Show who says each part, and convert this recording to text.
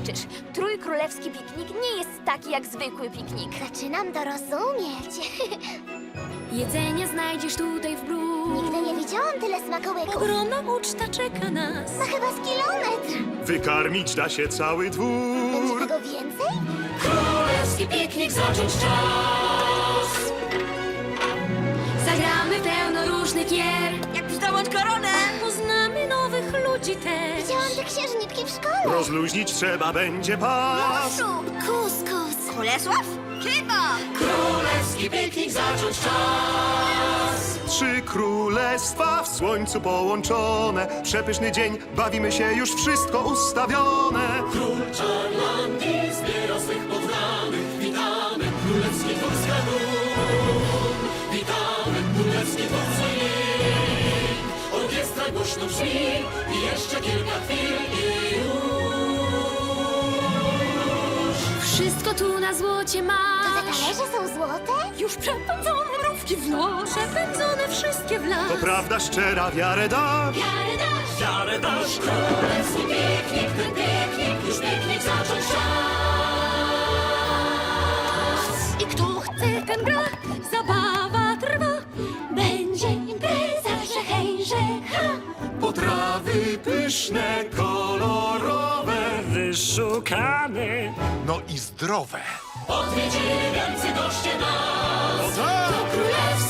Speaker 1: zobaczysz. Trójkrólewski piknik nie jest taki jak zwykły piknik.
Speaker 2: Zaczynam to rozumieć.
Speaker 3: Jedzenie znajdziesz tutaj w bród.
Speaker 2: Nigdy nie widziałam tyle smakołyków.
Speaker 3: Ogromna uczta czeka nas.
Speaker 2: Ma chyba z kilometr.
Speaker 4: Wykarmić da się cały
Speaker 2: Będzie
Speaker 4: dwór.
Speaker 2: tego więcej?
Speaker 3: Królewski piknik zacząć czas. Zagramy pełno różnych gier.
Speaker 1: Jak zdołać koronę!
Speaker 3: Poznamy nowych ludzi też.
Speaker 2: Widziałam te księżniczki w szkole.
Speaker 4: Rozluźnić trzeba będzie pas.
Speaker 2: Kuskus.
Speaker 1: Bolesław? Chyba!
Speaker 3: Królewski piknik zacząć czas.
Speaker 4: Trzy królestwa w słońcu połączone. Przepyszny dzień, bawimy się, już wszystko ustawione.
Speaker 5: Król Czarlandii zbiera swych poddanych. Witamy, królewski dwór z Kadun. Witamy, królewski dwór z Yin. Orkiestra głośno brzmi i jeszcze kilka chwil i już.
Speaker 3: Wszystko tu na złocie
Speaker 2: Te
Speaker 3: masz.
Speaker 2: talerze są złote?
Speaker 3: Już przepędzone mrówki w nos. Przepędzone wszystkie w las.
Speaker 4: To prawda szczera, wiarę da.
Speaker 3: Wiarę dasz.
Speaker 5: Wiarę dasz,
Speaker 3: Królewski piknik, ten piknik, już piknik zacząć czas. I kto chce, ten gra, zabawa trwa. Będzie impreza, że hej, że ha.
Speaker 4: Potrawy pyszne, kolorowe, wyszukane.
Speaker 6: No i zdrowe.
Speaker 5: odwiedzili wielcy goście nas.
Speaker 4: O tak!
Speaker 3: Królewski